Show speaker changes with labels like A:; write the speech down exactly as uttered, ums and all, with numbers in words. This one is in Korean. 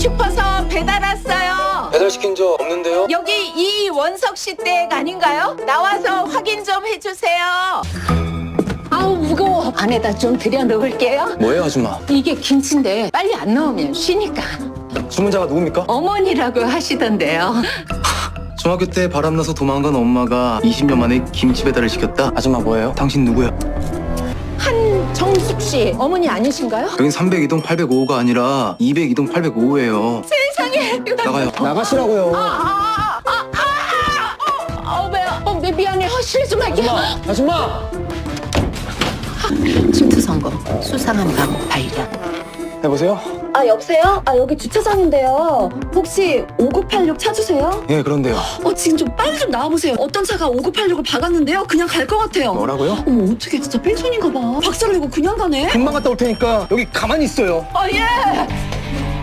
A: 싶어서 배달 왔어요.
B: 배달시킨 적 없는데요?
A: 여기 이원석 씨 댁 아닌가요? 나와서 확인 좀 해주세요. 아우 무거워. 안에다 좀 들여 넣을게요.
B: 뭐예요, 아줌마?
A: 이게 김치인데 빨리 안 넣으면 쉬니까.
B: 주문자가 누굽니까?
A: 어머니라고 하시던데요.
B: 중학교 때 바람나서 도망간 엄마가 이십 년 만에 김치 배달을 시켰다? 아줌마 뭐예요? 당신 누구야?
A: 한정숙 씨 어머니 아니신가요?
B: 여긴 삼백이 동 팔백오호가 아니라 이백이 동 팔백오호예요.
A: 세상에.
B: 나가요.
C: 나가시라고요.
A: 아아아아아 어, 어, 왜요? 어, 미- 미안해. 어, 실수 말게.
C: 아줌마!
A: 침투 성공. 수상한 방 발견.
B: 여보세요?
D: 아 여보세요? 아 여기 주차장인데요. 혹시 오구팔육 찾으세요?
B: 예, 그런데요.
D: 어 지금 좀 빨리 좀 나와보세요. 어떤 차가 오구팔육을 박았는데요. 그냥 갈 것 같아요.
B: 뭐라고요?
D: 어머 어떻게 진짜 뺑소니인가 봐. 박사를 이거 그냥 가네?
C: 금방 갔다 올 테니까 여기 가만히 있어요.
A: 어, 예.